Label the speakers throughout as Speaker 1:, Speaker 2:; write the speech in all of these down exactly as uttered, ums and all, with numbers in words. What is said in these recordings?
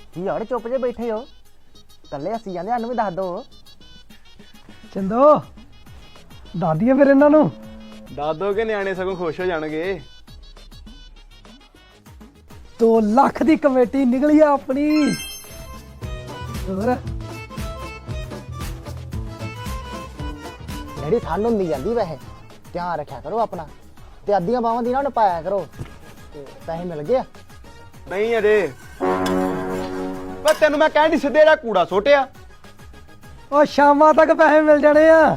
Speaker 1: ਕੀ ਯਾਰ ਚੁੱਪ ਜੇ ਬੈਠੇ ਹੋ ਕੱਲੇ ਹੱਸੀ ਜਾਂਦੇ ਸਾਨੂੰ ਵੀ ਦੱਸ ਦੋ
Speaker 2: ਚੰਦੋ ਦੱਸ ਦਈਏ ਫਿਰ ਇਹਨਾਂ ਨੂੰ
Speaker 3: ਦੱਸ ਦੋ ਕਿ ਨਿਆਣੇ ਸਗੋਂ ਖੁਸ਼ ਹੋ ਜਾਣਗੇ।
Speaker 2: ਦੋ ਲੱਖ ਦੀ ਕਮੇਟੀ ਨਿਕਲੀ ਆ ਆਪਣੀ। ਹੋਰ
Speaker 1: ਜਿਹੜੀ ਠੰਡ ਹੁੰਦੀ ਜਾਂਦੀ ਵੈਸੇ ਧਿਆਨ ਰੱਖਿਆ ਕਰੋ ਆਪਣਾ ਤੇ ਅੱਧੀਆਂ ਬਾਹਾਂ ਦੀ ਨਾ ਉਹਨੂੰ ਪਾਇਆ ਕਰੋ ਤੇ ਪੈਸੇ ਮਿਲ ਗਏ ਆ।
Speaker 3: ਨਹੀਂ ਅਜੇ ਪਰ ਤੈਨੂੰ ਮੈਂ ਕਹਿਣ ਦੀ ਸਿੱਧੇ ਜਿਹੜਾ ਕੂੜਾ ਸੁੱਟਿਆ
Speaker 2: ਉਹ ਸ਼ਾਮਾਂ ਤੱਕ ਪੈਸੇ ਮਿਲ ਜਾਣੇ ਆ।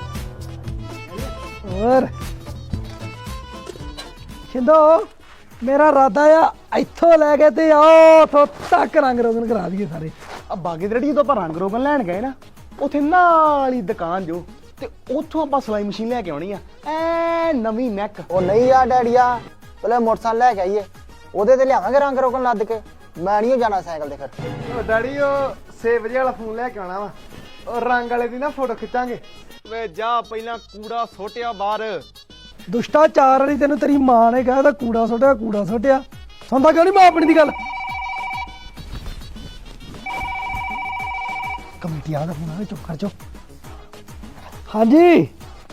Speaker 2: ਹੋਰ ਸ਼ਿੰਦੋ ਮੇਰਾ ਇਰਾਦਾ ਆ ਇੱਥੋਂ ਲੈ ਕੇ ਤੇ ਆਓ ਉੱਥੋਂ ਤੱਕ ਰੰਗ ਰੋਗਨ ਕਰਾ ਦਈਏ ਸਾਰੇ।
Speaker 3: ਆ ਬਾਗੀ ਜਿਹੜੀ ਜਦੋਂ ਆਪਾਂ ਰੰਗ ਰੋਗਨ ਲੈਣ ਗਏ ਨਾ ਉੱਥੇ ਨਾਲ ਹੀ ਦੁਕਾਨ ਜੋ ਤੇ ਉੱਥੋਂ ਆਪਾਂ ਸਲਾਈ ਮਸ਼ੀਨ ਲੈ ਕੇ ਆਉਣੀ ਆ ਐ ਨਵੀਂ ਨੈਕ।
Speaker 1: ਉਹ ਨਹੀਂ ਆ ਡੈਡੀਆ ਪਹਿਲੇ ਮੋਟਰਸਾਈਕਲ ਲੈ ਕੇ ਆਈਏ ਉਹਦੇ ਤੇ ਲਿਆਵਾਂਗੇ ਰੰਗ ਰੋਕਣ ਲੱਦ ਕੇ। ਮੈਂ ਨਹੀਂ ਜਾਣਾ ਸਾਈਕਲ ਤੇ ਫਿਰ।
Speaker 3: ਉਹ ਡੈਡੀ ਉਹ ਛੇ ਵਜੇ ਵਾਲਾ ਫੋਨ ਲੈ ਕੇ ਆਉਣਾ ਵਾ ਉਹ ਰੰਗ ਵਾਲੇ ਦੀ ਨਾ ਫੋਟੋ ਖਿੱਚਾਂਗੇ। ਵੇ ਜਾ ਪਹਿਲਾਂ ਕੂੜਾ ਸੁੱਟਿਆ ਬਾਹਰ।
Speaker 2: ਦੁਸ਼ਟਾ ਚਾਰ ਵਾਲੀ ਤੈਨੂੰ ਤੇਰੀ ਮਾਂ ਨੇ ਕਿਹਾ ਤਾਂ ਕੂੜਾ ਸੁੱਟਿਆ ਕੂੜਾ ਸੁੱਟਿਆ ਸੁਣਦਾ ਕਿਉਂ ਨਹੀਂ ਮਾਂ ਆਪਣੀ ਦੀ ਗੱਲ। ਕਮੇਟੀ ਆ ਦਾ ਫੋਨ ਆ ਚੁੱਪ ਕਰ ਚੋ। ਹਾਂਜੀ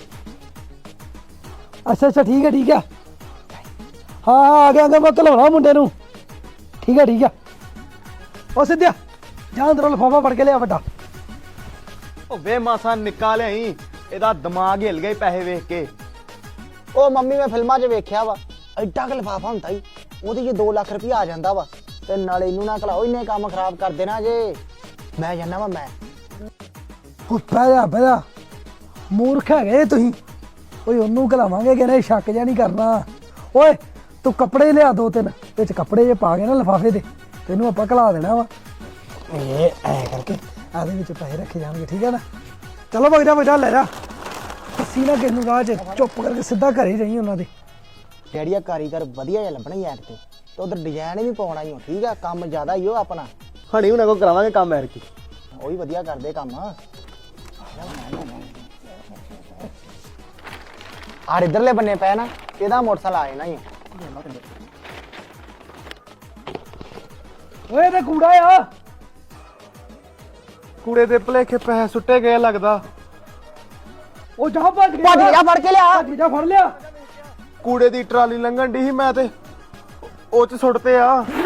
Speaker 2: ਅੱਛਾ ਅੱਛਾ ਠੀਕ ਹੈ ਠੀਕ ਹੈ ਹਾਂ ਹਾਂ ਆ ਗਿਆ ਮੈਂ ਘਲਾਉਣਾ ਮੁੰਡੇ ਨੂੰ। ਠੀਕ ਹੈ ਠੀਕ ਹੈ ਉਹ ਸਿੱਧਿਆ ਜਾਂ ਅੰਦਰੋਂ ਲਿਫਾਫਾ ਫੜ ਕੇ ਲਿਆ ਵੱਡਾ।
Speaker 3: ਉਹ ਵੇ ਮਾਸਾ ਨਿਕਾ ਲਿਆਈ ਇਹਦਾ ਦਿਮਾਗ ਹਿੱਲ ਗਿਆ ਪੈਸੇ ਵੇਖ ਕੇ।
Speaker 1: ਉਹ ਮੰਮੀ ਮੈਂ ਫਿਲਮਾਂ 'ਚ ਵੇਖਿਆ ਵਾ ਐਡਾ ਕੁ ਲਿਫਾਫਾ ਹੁੰਦਾ ਹੀ ਉਹਦੇ 'ਚ ਦੋ ਲੱਖ ਰੁਪਇਆ ਆ ਜਾਂਦਾ ਵਾ ਤੇ ਨਾਲੇ ਇਹਨੂੰ ਨਾ ਘਲਾਓ ਇੰਨੇ ਕੰਮ ਖਰਾਬ ਕਰ ਦੇਣਾ ਜੇ। ਮੈਂ ਜਾਣਾ ਵਾ ਮੈਂ।
Speaker 2: ਉਹ ਬਹਿ ਜਾ ਬਹਿ ਜਾ ਮੂਰਖ ਹੈਗੇ ਤੁਸੀਂ। ਓਏ ਉਹਨੂੰ ਘਲਾਵਾਂਗੇ ਕਿ ਨਹੀਂ ਸ਼ੱਕ ਜਿਹਾ ਨਹੀਂ ਕਰਨਾ। ਓਏ ਤੂੰ ਕੱਪੜੇ ਲਿਆ ਦੋ ਤਿੰਨ ਵਿੱਚ ਕੱਪੜੇ ਜੇ ਪਾ ਕੇ ਨਾ ਲਿਫਾਫੇ ਦੇ ਤੈਨੂੰ ਆਪਾਂ ਘਲਾ ਦੇਣਾ ਵਾ। ਇਹ ਐ ਕਰਕੇ ਆਦੇ ਵਿੱਚ ਪੈਸੇ ਰੱਖੇ ਜਾਣਗੇ ਠੀਕ ਹੈ ਨਾ। ਚਲੋ ਬਗਦਾ ਬਗਦਾ ਲੈ ਜਾ ਅਸੀਂ ਨਾ ਕਿਸ ਨੂੰ ਰਾਹ 'ਚ ਚੁੱਪ ਕਰਕੇ ਸਿੱਧਾ ਘਰੇ ਜਾਈ ਉਹਨਾਂ ਦੇ।
Speaker 1: ਡੈਡੀਆ ਕਾਰੀਗਰ ਵਧੀਆ ਜਿਹਾ ਲੱਭਣਾ ਹੀ ਐ ਤੇ ਉਧਰ ਡਿਜ਼ਾਈਨ ਵੀ ਪਾਉਣਾ ਹੀ ਹੋ ਠੀਕ ਆ ਕੰਮ ਜ਼ਿਆਦਾ ਹੀ ਉਹ ਆਪਣਾ।
Speaker 3: ਹਣੀ ਉਹਨਾਂ ਕੋਲ ਕਰਾਵਾਂਗੇ ਕੰਮ ਐਰ ਕੀ
Speaker 1: ਉਹ ਵੀ ਵਧੀਆ ਕਰਦੇ ਕੰਮ। ਆਰ ਇਧਰਲੇ ਬੰਨੇ ਪਏ ਨਾ ਇਹਦਾ ਮੋਟਰਸਾਈਕਲ ਆ ਜਾਣਾ ਹੀ।
Speaker 2: ਓਏ ਤੇ ਕੂੜਾ ਆ
Speaker 3: ਕੂੜੇ ਦੇ ਭਲੇਖੇ ਪੈਸੇ ਸੁੱਟੇ ਗਏ ਲੱਗਦਾ।
Speaker 2: ਉਹ ਜਾ ਭੱਜ
Speaker 1: ਭੱਜ ਗਿਆ ਫੜ ਕੇ ਲਿਆ।
Speaker 2: ਭੱਜ ਜਾ ਫੜ ਲਿਆ।
Speaker 3: ਕੂੜੇ ਦੀ ਟਰਾਲੀ ਲੰਘਣ ਦੀ ਸੀ ਮੈਂ ਤੇ ਉਹ ਚ ਸੁੱਟਤੇ ਆ।